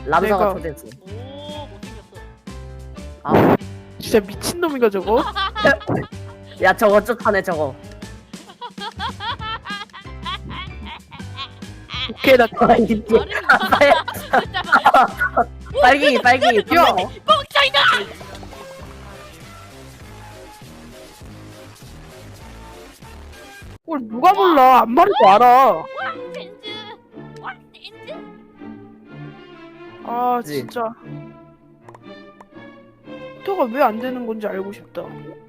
람사가 내가- 초대했어. 오 못생겼어. 아, 진짜 미친놈인가 저거? 야 저거 쪽하네 저거. 오케이 나 아, 이게 발음이 이상하다. 잠깐만. 빨갱이 빨갱이. 야! 뻥짜이다. 뭘 누가 몰라 안 말해도 알아. 댄스. 와 댄스. 아 그치? 진짜 토가 왜 안 되는 건지 알고 싶다.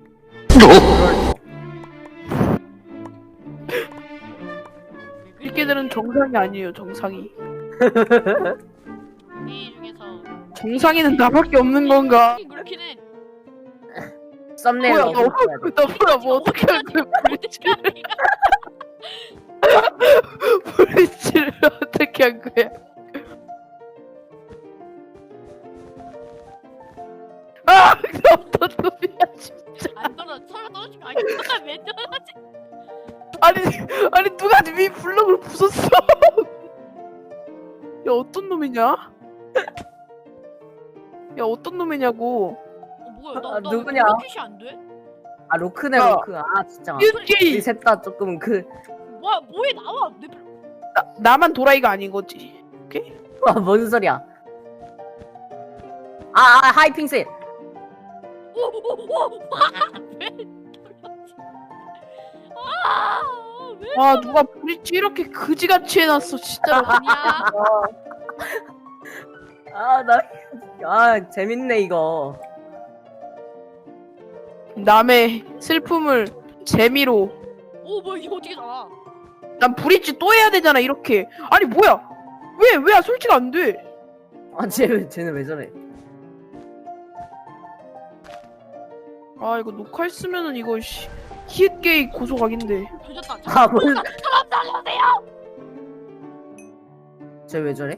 이게들은 정상이 아니에요. 정상이. 이 중에서 정상이는 나밖에 없는 건가? 그렇긴 해. 썸네일 뭐야 넣어줘야 돼. 너 뭐야 뭐 어떻게 할 거야? 어떻게 하냐? 브릿지를 어떻게 한 거야? 아! 어떤 놈이야 진짜. 안 떨어 서로 떨어진 거 아니야? 왜 떨어지? 아니 누가 네 블럭을 부쉈어? 야 어떤 놈이냐? 야 어떤 놈이냐고. 뭐야 아, 나 누구냐? 퀴시 안 돼? 아 로크네 야. 로크. 아 진짜. 이게 우리 셋 다 조금 뭐에 나와? 내 나만 도라이가 아닌 거지. 뭔 소리야? 하이핑셋. 오오오 왜 떨어지? 왜? 아 누가 브릿지 이렇게 그지같이 해놨어 진짜로. 아니야. 재밌네 이거. 남의 슬픔을 재미로. 오 뭐야 이거 어떻게 나와? 난 브릿지 또 해야 되잖아 이렇게. 아니 뭐야? 왜 솔직히 안 돼? 쟤는 왜 저래? 아 이거 녹화했으면은 이거 히읗게이 고소각인데. 조졌다. 뭔? 사람 살려주세요. 쟤 왜 저래?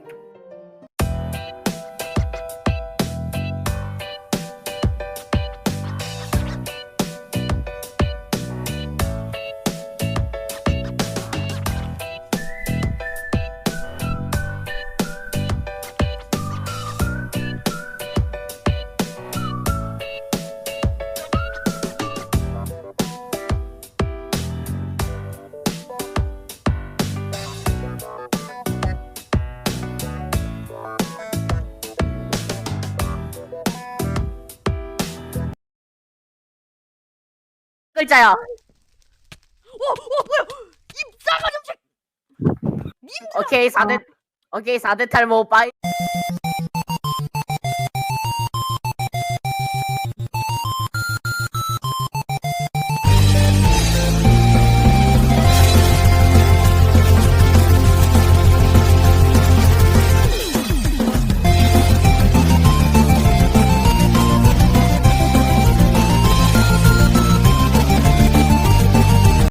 글자야. 뭐야? 이 싸가지 없이. 오케이 4대 탈모 빠이.